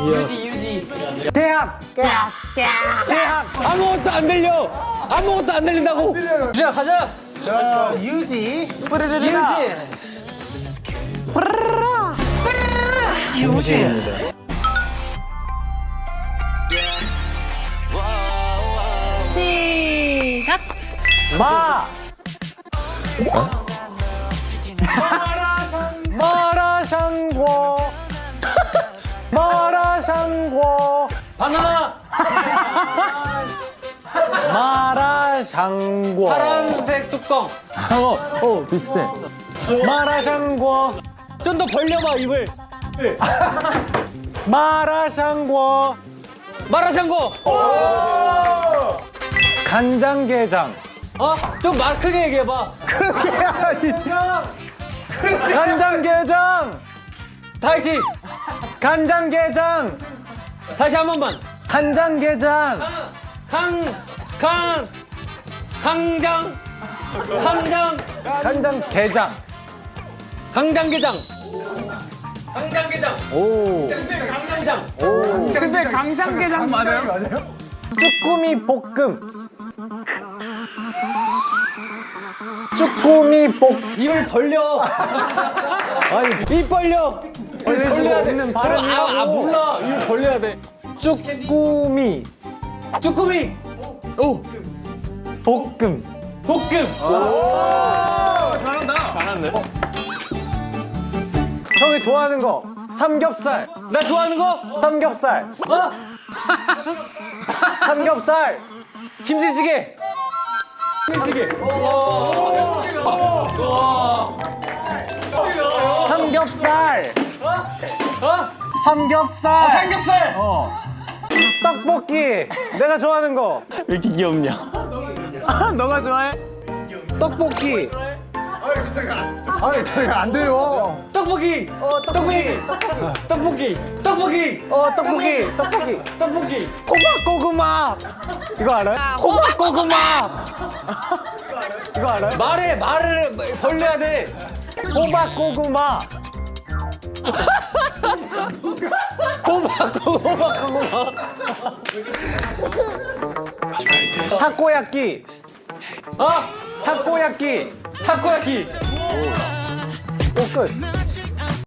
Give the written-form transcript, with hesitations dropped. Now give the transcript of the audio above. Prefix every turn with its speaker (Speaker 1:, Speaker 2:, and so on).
Speaker 1: 유지.
Speaker 2: 대학. 대학. 아무것도 안 들려. 아무것도 안 들린다고.
Speaker 1: 자, 가자.
Speaker 3: 유지.
Speaker 2: 유지입니다.
Speaker 4: 시작.
Speaker 2: 마라샹궈. 마라샹궈.
Speaker 1: 바나나.
Speaker 2: 마라샹궈.
Speaker 1: 파란색 뚜껑.
Speaker 2: 비슷해. 마라샹궈.
Speaker 1: 좀 더 벌려봐 입을.
Speaker 2: 마라샹궈.
Speaker 1: 마라샹궈.
Speaker 2: 간장게장.
Speaker 1: 좀 말 크게 얘기해봐.
Speaker 2: 간장게장.
Speaker 1: 다시.
Speaker 2: 간장게장.
Speaker 1: 다시 한 번만.
Speaker 2: 간장게장.
Speaker 1: 강장.
Speaker 2: 간장게장.
Speaker 1: 강장게장.
Speaker 2: 오.
Speaker 1: 강장게장.
Speaker 3: 근데 강장게장 맞아요?
Speaker 2: 쭈꾸미 볶음. 쭈꾸미 볶.
Speaker 1: 입을 벌려.
Speaker 2: 아니
Speaker 1: 입 벌려.
Speaker 2: 벌릴 수
Speaker 1: 벌려야 돼.
Speaker 2: 없는 발음이라고.
Speaker 1: 몰라. 입을 벌려야 돼.
Speaker 2: 쭈꾸미
Speaker 1: 쭈꾸미.
Speaker 2: 볶음.
Speaker 1: 잘한다.
Speaker 2: 형이 좋아하는 거 삼겹살.
Speaker 1: 나 좋아하는 거?
Speaker 2: 삼겹살. 삼겹살.
Speaker 1: 김치찌개.
Speaker 2: 삼겹살. 삼겹살.
Speaker 1: 삼겹살.
Speaker 2: 떡볶이. 내가 좋아하는 거.
Speaker 1: 왜 이렇게 귀엽냐?
Speaker 3: 너가 좋아해?
Speaker 2: 떡볶이.
Speaker 3: 아니, 저희 안 돼요.
Speaker 1: 떡볶이. 떡볶이. 떡볶이.
Speaker 2: 떡볶이.
Speaker 1: 떡볶이.
Speaker 2: 호박고구마. 이거 알아요? 호박고구마. 이거 알아요?
Speaker 1: 말을 벌려야 돼.
Speaker 2: 호박고구마.
Speaker 1: 고구마.
Speaker 2: 타코야끼. 타코야끼.
Speaker 1: 타코야키.
Speaker 2: 끝.